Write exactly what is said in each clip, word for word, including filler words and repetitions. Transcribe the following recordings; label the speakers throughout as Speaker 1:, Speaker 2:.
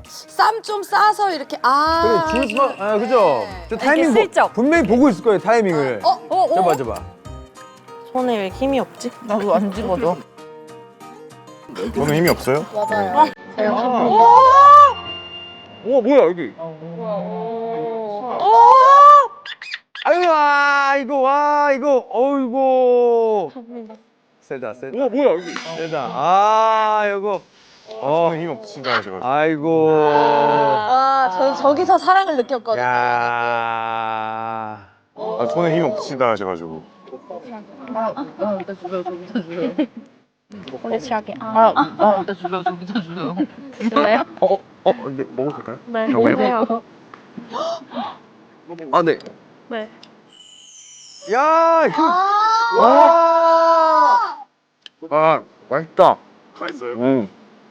Speaker 1: 쌈 좀 싸서 이렇게 아.
Speaker 2: 그래 줄 거, 아 그죠? 저 타이밍 보,
Speaker 3: 슬쩍.
Speaker 2: 분명히 보고 있을 거예요 타이밍을.
Speaker 1: 어? 어? 어?
Speaker 2: 잡아 잡아.
Speaker 3: 손에 왜 힘이 없지? 나도 안 집어줘.
Speaker 4: 저는 힘이 없어요?
Speaker 1: 맞아요.
Speaker 2: 오 뭐야 여기. 아이고 와 이거 와 이거 어이구. 세다 세다. 오 뭐야 여기. 세다. 아 이거. 어.
Speaker 4: 저는 힘이 없으신가 하셔가지고.
Speaker 2: 아이고.
Speaker 1: 아, 저 저기서 사랑을 느꼈거든요.
Speaker 2: 야.
Speaker 4: 아, 저는 힘이 없으신다 하셔가지고.
Speaker 3: 원래 시작이. 아, 아, 나 주세요, 저기서 주세요. 줄래요?
Speaker 4: 어? 어? 근데 먹어도 될까요?
Speaker 3: 네.
Speaker 4: 정말요?
Speaker 2: 아 네.
Speaker 3: 네.
Speaker 2: 야. 이거-
Speaker 1: 아.
Speaker 2: 와.
Speaker 4: 아, 맛있다. 맛있어요? 응.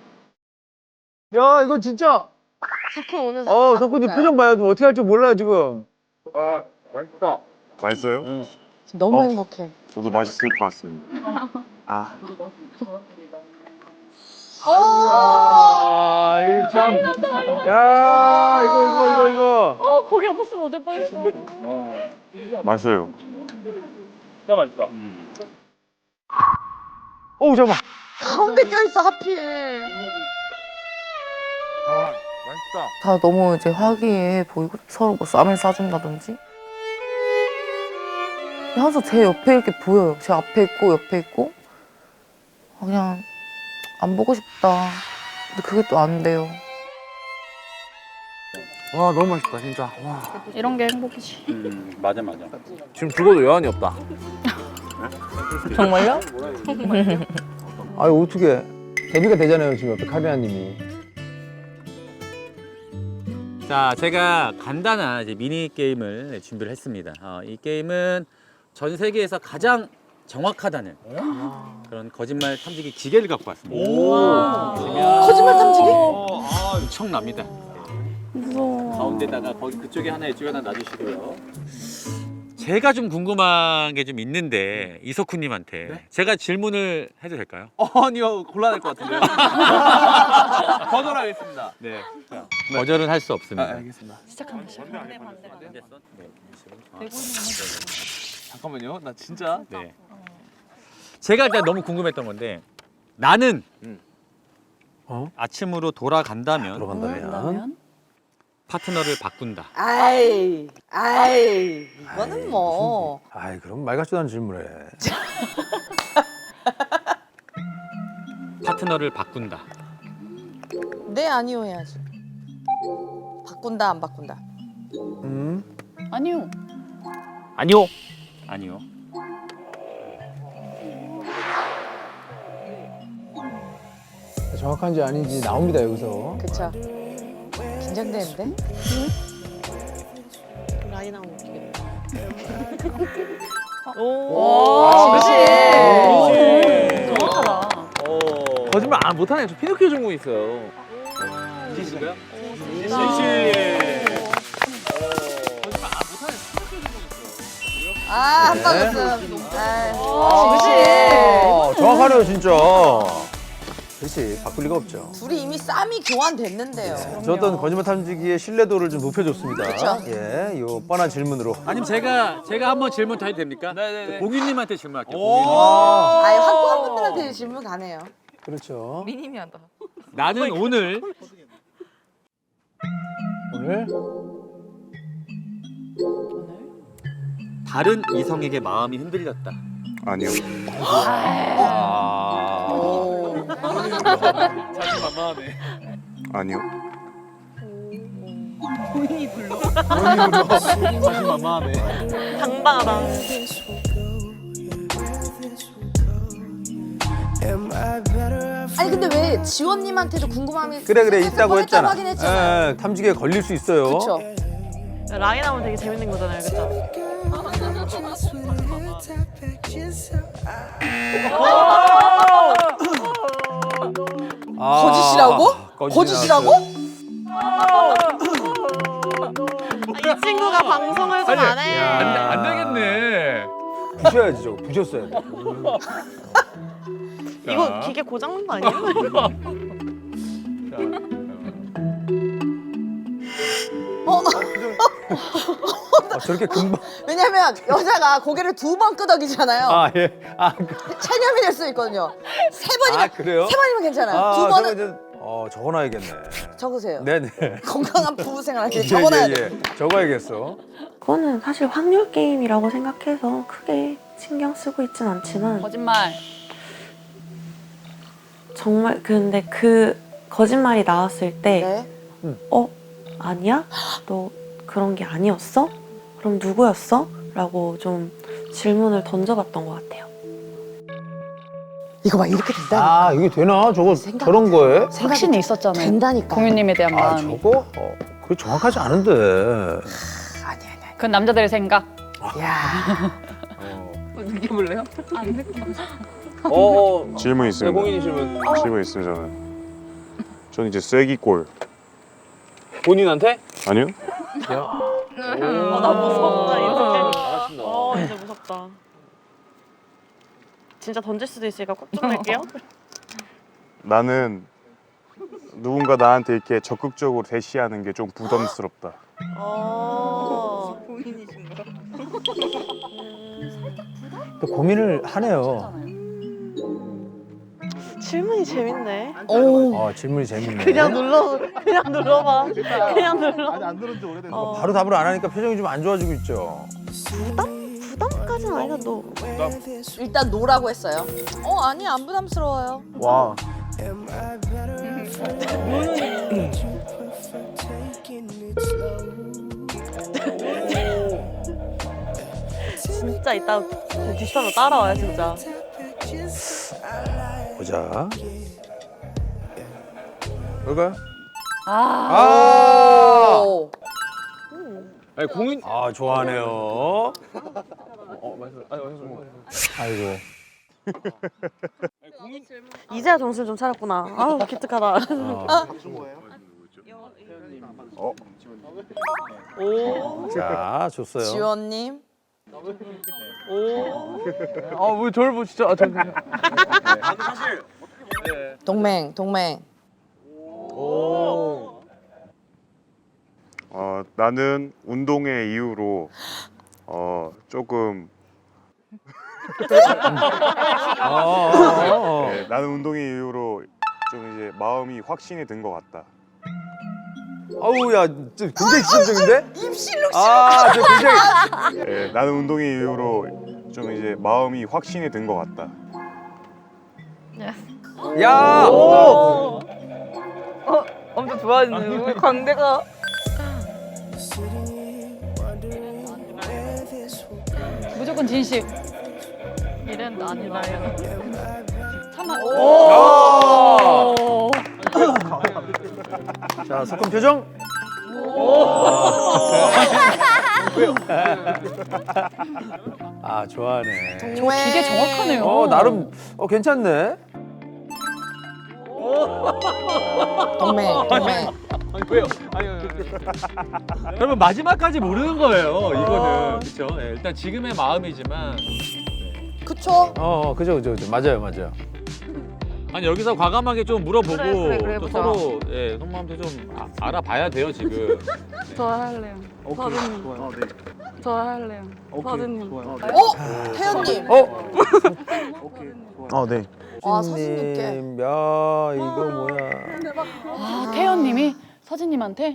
Speaker 2: 야 이거 진짜.
Speaker 3: 석훈 오늘
Speaker 2: 어 석훈님 표정 봐요. 어떻게 할 줄 몰라요 지금.
Speaker 4: 아, 맛있다. 맛있어요?
Speaker 2: 응.
Speaker 1: 지금 너무
Speaker 4: 어?
Speaker 1: 행복해.
Speaker 4: 저도 맛있을 것 같습니다.
Speaker 2: 아.
Speaker 1: 오.
Speaker 2: 아, 이거 참. 야, 이거, 이거, 이거, 이거.
Speaker 3: 어, 고기 없었으면 어쩔 뻔했어.
Speaker 4: 맛있어요.
Speaker 2: 진짜 맛있다. 오, 잠깐만.
Speaker 1: 가운데 껴있어 하필.
Speaker 4: 아, 맛있다.
Speaker 5: 다 너무 이제 화기애애 보이고 서로 뭐 쌈을 싸준다든지 항상 제 옆에 이렇게 보여요. 제 앞에 있고 옆에 있고 아, 그냥 안 보고 싶다. 근데 그게 또 안 돼요.
Speaker 2: 와, 너무 맛있다, 진짜. 와.
Speaker 3: 이런 게 행복이지.
Speaker 6: 음, 맞아 맞아.
Speaker 2: 지금 죽어도 여한이 없다.
Speaker 5: 정말요?
Speaker 2: 아유, 어떻게. 데뷔가 되잖아요, 지금 옆에 카리나 님이.
Speaker 6: 자, 제가 간단한 이제 미니 게임을 준비를 했습니다. 어, 이 게임은 전 세계에서 가장 정확하다는 그런 거짓말 탐지기 기계를 갖고 왔습니다. 보시면
Speaker 1: 거짓말 탐지기?
Speaker 6: 엄청납니다. 무서워. 가운데다가 거기 그쪽에 하나 이쪽에 하나 놔주시고요. 제가 좀 궁금한 게 좀 있는데 이석훈님한테 제가 질문을 해도 될까요?
Speaker 7: 아니요, 곤란할 것 같은데요. 거절하겠습니다.
Speaker 6: 네. 거절은 할 수 없습니다.
Speaker 7: 아, 알겠습니다.
Speaker 3: 시작한다, 시작.
Speaker 7: 잠깐만요, 나 진짜.
Speaker 6: 네. 제가 일단 너무 궁금했던 건데 나는
Speaker 2: 어?
Speaker 6: 아침으로 돌아간다면
Speaker 2: 들어간다면.
Speaker 6: 파트너를 바꾼다.
Speaker 1: 아이, 아이, 이거는 뭐.
Speaker 2: 아이, 그럼 말 같지도 않은 질문을 해.
Speaker 6: 파트너를 바꾼다.
Speaker 1: 네, 아니요 해야지. 바꾼다, 안 바꾼다.
Speaker 2: 음?
Speaker 3: 아니요.
Speaker 6: 아니요. 아니요.
Speaker 2: 정확한지 아닌지 나옵니다, 여기서.
Speaker 1: 그쵸. 긴장되는데?
Speaker 3: 라인 하면 어떻게
Speaker 1: 오,
Speaker 7: 그렇지.
Speaker 3: 정확하다.
Speaker 7: 거짓말 안 못하네. 저 피노키오 전공 있어요.
Speaker 6: 이시신가요?
Speaker 7: 거짓말 안 못하네.
Speaker 1: 아, 한 방 웃음. 아,
Speaker 2: 어,
Speaker 1: 그치.
Speaker 2: 정확하네요, 진짜. 그렇지, 바꿀 리가 없죠.
Speaker 1: 둘이 이미 쌈이 교환됐는데요.
Speaker 2: 저 어떤 거짓말 탐지기의 신뢰도를 좀 높여줬습니다.
Speaker 1: 그쵸.
Speaker 2: 예, 요 뻔한 질문으로.
Speaker 6: 아니면 제가 제가 한번 질문 더 해도 됩니까?
Speaker 7: 네네네.
Speaker 6: 봉인님한테 질문할게요.
Speaker 7: 오.
Speaker 6: 봉인님.
Speaker 1: 아예 확고한 분들한테 질문 가네요.
Speaker 2: 그렇죠.
Speaker 5: 미니미하다.
Speaker 6: 나는 오늘
Speaker 2: 오늘
Speaker 6: 다른 이성에게 마음이 흔들렸다.
Speaker 4: 아니요.
Speaker 7: 자신만만하네.
Speaker 4: 아니요.
Speaker 7: 자신만만하네.
Speaker 3: 당당하다.
Speaker 1: 아니 근데 왜 지원님한테도 궁금함이
Speaker 2: 그래 그래
Speaker 1: 생겨서
Speaker 2: 있다고
Speaker 1: 뻔했다고
Speaker 2: 했잖아.
Speaker 1: 하긴 했잖아요.
Speaker 2: 예, 탐지기에 걸릴 수 있어요.
Speaker 1: 그렇죠.
Speaker 3: 라인 하면 되게 재밌는 거잖아요, 그쵸?
Speaker 2: 아,
Speaker 1: 거짓이라고? 거짓이라고?
Speaker 3: 아, 이 친구가 방송을 좀 안 해.
Speaker 2: 야.
Speaker 6: 안 되겠네.
Speaker 2: 부셔야지 저거 부셨어야 돼.
Speaker 3: 이거 기계 고장난 거 아니에요?
Speaker 2: 아, 저렇게 금방.
Speaker 1: 왜냐면 여자가 고개를 두 번 끄덕이잖아요.
Speaker 2: 아, 예. 아,
Speaker 1: 체념이 될 수 있거든요. 세 번이면
Speaker 2: 아, 그래요?
Speaker 1: 세 번이면 괜찮아요.
Speaker 2: 아,
Speaker 1: 두
Speaker 2: 저거
Speaker 1: 번은
Speaker 2: 이제, 어, 적어놔야겠네.
Speaker 1: 적으세요.
Speaker 2: 네네.
Speaker 1: 건강한 부부 생활
Speaker 2: 예,
Speaker 1: 적어놔야
Speaker 2: 예,
Speaker 1: 돼.
Speaker 2: 예. 적어야겠어.
Speaker 8: 그거는 사실 확률 게임이라고 생각해서 크게 신경 쓰고 있진 않지만
Speaker 9: 거짓말.
Speaker 8: 정말 근데 그 거짓말이 나왔을 때
Speaker 1: 네.
Speaker 8: 어? 아니야? 너 그런 게 아니었어? 그럼 누구였어? 라고 좀 질문을 던져봤던 것 같아요.
Speaker 1: 이거 봐 이렇게 된다니까.
Speaker 2: 아, 이게 되나? 저거
Speaker 1: 생각-
Speaker 2: 저런 거에?
Speaker 9: 확신이 있었잖아요.
Speaker 1: 된다니까.
Speaker 9: 공유님에 대한
Speaker 2: 아,
Speaker 9: 마음이.
Speaker 2: 저거? 어, 그게 정확하지 않은데.
Speaker 1: 아니 아니
Speaker 9: 그건 남자들의 생각.
Speaker 1: 아니. 야.
Speaker 9: 느껴볼래요?
Speaker 7: 어.
Speaker 4: 질문
Speaker 7: 네,
Speaker 4: 있습니다.
Speaker 7: 공인이 질문.
Speaker 4: 질문 있습니다. 저는. 저는 이제 쐐기골.
Speaker 7: 본인한테?
Speaker 4: 아니요?
Speaker 8: 어, 나 무섭다 이제. 어 이제 무섭다. 진짜 던질 수도 있으니까 꼭 좀 할게요.
Speaker 4: 나는 누군가 나한테 이렇게 적극적으로 대시하는 게 좀 부담스럽다.
Speaker 8: 어.
Speaker 2: 또 고민을 하네요.
Speaker 8: 질문이 재밌네.
Speaker 1: 오.
Speaker 2: 어, 질문이 재밌네.
Speaker 8: 그냥 눌러 그냥 눌러봐. 그냥 눌러.
Speaker 7: 아니 안 들은 지 오래됐어.
Speaker 8: 어.
Speaker 2: 바로 답을 안 하니까 표정이 좀 안 좋아지고 있죠.
Speaker 8: 부담까지는 아니라도
Speaker 1: 일단 노라고 했어요. 어 아니 안 부담스러워요.
Speaker 2: 와.
Speaker 8: 진짜 이따 뒷사람 따라와요 진짜.
Speaker 2: 보자. 뭘까요?
Speaker 9: 아.
Speaker 2: 아!
Speaker 1: 오.
Speaker 7: 아니 공인.
Speaker 2: 아, 좋아하네요.
Speaker 7: 어 맞아. 아니 맞아.
Speaker 2: 아이고.
Speaker 7: 공인.
Speaker 8: 이제야 정신 좀 차렸구나. 아우 기특하다.
Speaker 4: 어?
Speaker 8: 오.
Speaker 2: 자, 줬어요.
Speaker 1: 지원님.
Speaker 8: 오.
Speaker 7: 아왜 저를 보 진짜. 아, 잠깐.
Speaker 1: 동맹 동맹.
Speaker 2: 오.
Speaker 4: 어, 나는 운동의 이유로 어, 조금
Speaker 2: 어, 어, 어.
Speaker 4: 네, 나는 운동의 이유로 좀 이제 마음이 확신이 든 것 같다.
Speaker 2: 아우, 야, 저 굉장히 지적인데?
Speaker 1: 입실룩
Speaker 2: 아, 저 굉장히.
Speaker 4: 네, 나는 운동의 이유로 좀 이제 마음이 확신이 든 것 같다.
Speaker 2: 야!
Speaker 8: 오. 어, 엄청 좋아하시네요. 광대가.
Speaker 9: 무조건 진실. 이런 아니라요. 참아.
Speaker 2: 오! 자, 석훈 표정. 아, 좋아하네.
Speaker 1: 동맹.
Speaker 9: 기계 정확하네요.
Speaker 2: 어, 나름 어 괜찮네.
Speaker 1: 동맹 동맹.
Speaker 7: 아니 왜요? 아니. 아니, 아니.
Speaker 6: 그러면 마지막까지 모르는 거예요. 이거는 그렇죠. 예, 일단 지금의 마음이지만
Speaker 1: 그쵸?
Speaker 2: 어, 어, 그죠, 그죠, 그죠. 맞아요, 맞아요.
Speaker 6: 아니 여기서 과감하게 좀 물어보고
Speaker 8: 그래, 그래, 그래,
Speaker 6: 또
Speaker 8: 보자.
Speaker 6: 서로 예, 속마음도 좀 아, 알아봐야 돼요 지금.
Speaker 10: 저 할래요. 서준님.
Speaker 7: 좋아요. 네.
Speaker 10: 저 할래요. 서준님.
Speaker 7: 좋아요.
Speaker 1: 어 태연님.
Speaker 2: 어?
Speaker 4: 어, 네.
Speaker 1: 아 서진님께.
Speaker 2: 님, 야, 이거 뭐야?
Speaker 9: 아, 태연님이 서진님한테?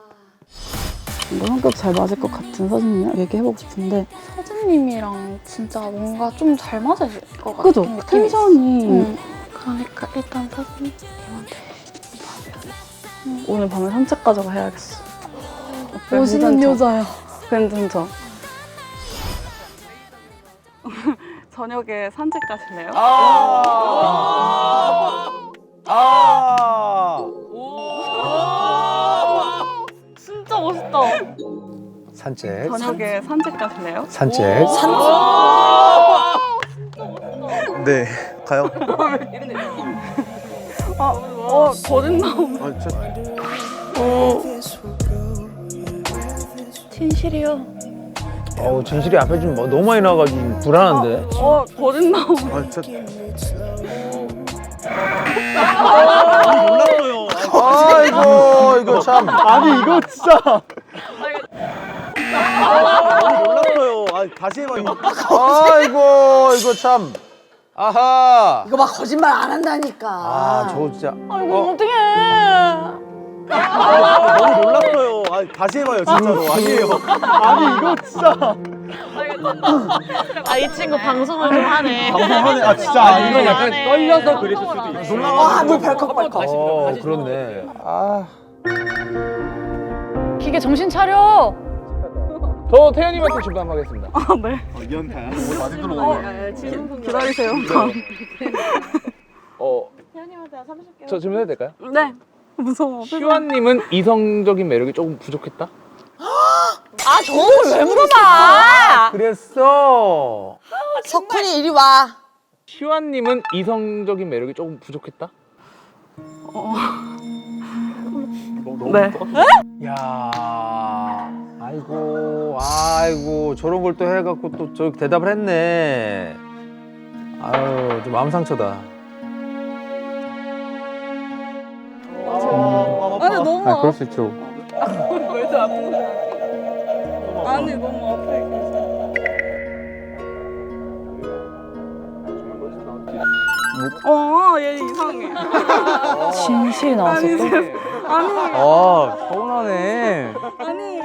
Speaker 10: 뭐 성격 잘 맞을 것 같은 서진님이랑 얘기해보고 싶은데 서진님이랑 진짜 뭔가 좀 잘 맞을 것 같은
Speaker 8: 그죠?
Speaker 10: 느낌이
Speaker 8: 텐션이.
Speaker 10: 응. 그러니까 일단 서진님한테 응. 오늘 밤에 산책 가자고 해야겠어. 멋있는 여자야. 괜찮죠? 저녁에 산책 가실래요?
Speaker 2: 아! 아!
Speaker 10: 진짜 멋있다.
Speaker 2: 산책.
Speaker 10: 저녁에 산책 가실래요?
Speaker 2: 산책.
Speaker 4: 네, 가요.
Speaker 10: 아, 어, 거짓 나오네.
Speaker 4: 아, 저...
Speaker 10: 어. 진실이요.
Speaker 2: 어우, 진실이 앞에 좀 뭐, 너무 많이 나와가지고 불안한데.
Speaker 10: 어, 거짓 나오네.
Speaker 4: 아, 저...
Speaker 2: 아이고, 이거 참.
Speaker 7: 아니 이거 진짜.
Speaker 2: 몰랐어요. 아, 다시 해봐요. 아이고, 이거 참. 아하.
Speaker 1: 이거 막 거짓말 안 한다니까.
Speaker 2: 아, 저 진짜.
Speaker 9: 아이고
Speaker 2: 어?
Speaker 9: 어떡해.
Speaker 2: 아, 너무 놀랐어요. 아, 다시 해봐요, 진짜로. 아니에요. 아니, 이거 진짜.
Speaker 8: 아, 이 친구 방송을 좀 하네.
Speaker 2: 방송하네. 아, 진짜.
Speaker 7: 이건 약간 떨려서 그랬을 수도 있어.
Speaker 1: 와, 물 벌컥벌컥.
Speaker 2: 어, 그렇네. 아.
Speaker 9: 기계 정신 차려.
Speaker 7: 저 태연님한테 질문 한번 하겠습니다.
Speaker 10: 기다리세요.
Speaker 7: 어, 저 질문해도 될까요?
Speaker 10: 네. 무서워.
Speaker 7: 슈아님은 이성적인 매력이 조금 부족했다?
Speaker 1: 아, 저걸 왜 물어봐?
Speaker 2: 그랬어.
Speaker 1: 석훈이 이리 와.
Speaker 7: 슈아님은 이성적인 매력이 조금 부족했다?
Speaker 10: 네.
Speaker 2: 야. 아이고, 아이고, 저런 걸 또 해갖고 또 저 대답을 했네. 아유, 좀 마음 상처다.
Speaker 10: 아니 너무
Speaker 2: 아, 그럴 수 있죠.
Speaker 10: 왜저 아픈 거야? 아니 너무 아파. 어, 얘 이상해.
Speaker 9: 진실이 나왔어 또.
Speaker 10: 아니,
Speaker 2: 아, 서운하네.
Speaker 10: 아니.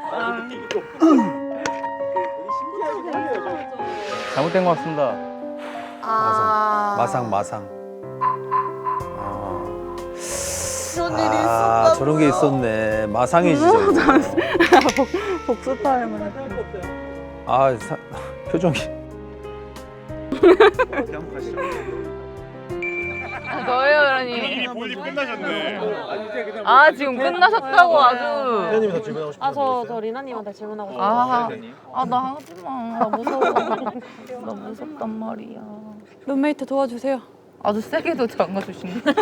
Speaker 2: 잘못된 것 같습니다.
Speaker 1: 아.
Speaker 2: 마상, 마상. 아,
Speaker 1: 그런 일이
Speaker 2: 아
Speaker 1: 있었다.
Speaker 2: 저런 게 있었네. 마상이지, 저거.
Speaker 10: 복수 타임을.
Speaker 2: 아, 사, 표정이.
Speaker 3: 저예요, 그러니.
Speaker 4: 볼일 끝나셨네.
Speaker 3: 아, 지금 끝나셨다고 아주.
Speaker 2: 회원님이 더 질문하고 싶은
Speaker 8: 아, 저, 저 리나님한테 질문하고 싶어요.
Speaker 3: 아,
Speaker 5: 아, 나 하지 마. 나 무서워. 나 무섭단 말이야.
Speaker 9: 룸메이트 도와주세요.
Speaker 5: 아주 세게도 잠가주신 거.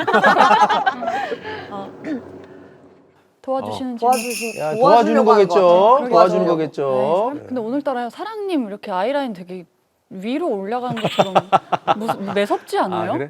Speaker 9: 도와주시는지.
Speaker 1: 도와주신,
Speaker 2: 야,
Speaker 1: 도와주려고
Speaker 2: 도와주는
Speaker 1: 하는 것
Speaker 2: 거겠죠.
Speaker 1: 같아.
Speaker 2: 도와주는
Speaker 1: 도와주려고.
Speaker 2: 거겠죠.
Speaker 9: 네, 근데 오늘따라 사랑님 이렇게 아이라인 되게 위로 올라가는 것처럼 무슨 매섭지 않아요?
Speaker 2: 아, 그래?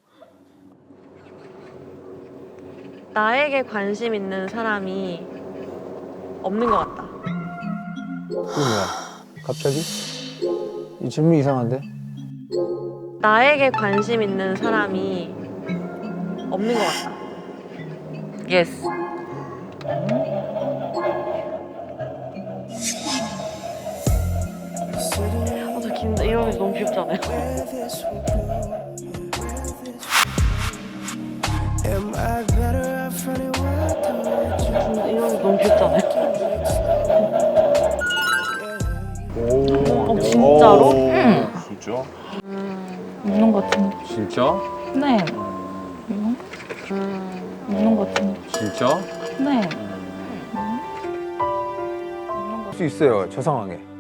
Speaker 8: 나에게 관심 있는 사람이 없는 것 같다.
Speaker 2: 그게 뭐야? 갑자기? 이 질문 이상한데?
Speaker 8: 나에게 관심 있는 사람이 없는 것 같다.
Speaker 5: 예스.
Speaker 8: 아, 저 긴데 이런 게 너무 귀엽지 않아요? 근데 이런 게 너무 귀엽지 않아요? 어, 진짜로?
Speaker 4: 응. 진짜?
Speaker 5: 웃는 것 같은데.
Speaker 6: 진짜?
Speaker 5: 네. 이거? 웃는 것 같은데.
Speaker 6: 진짜?
Speaker 5: 네.
Speaker 2: 할 수 있어요, 저 상황에.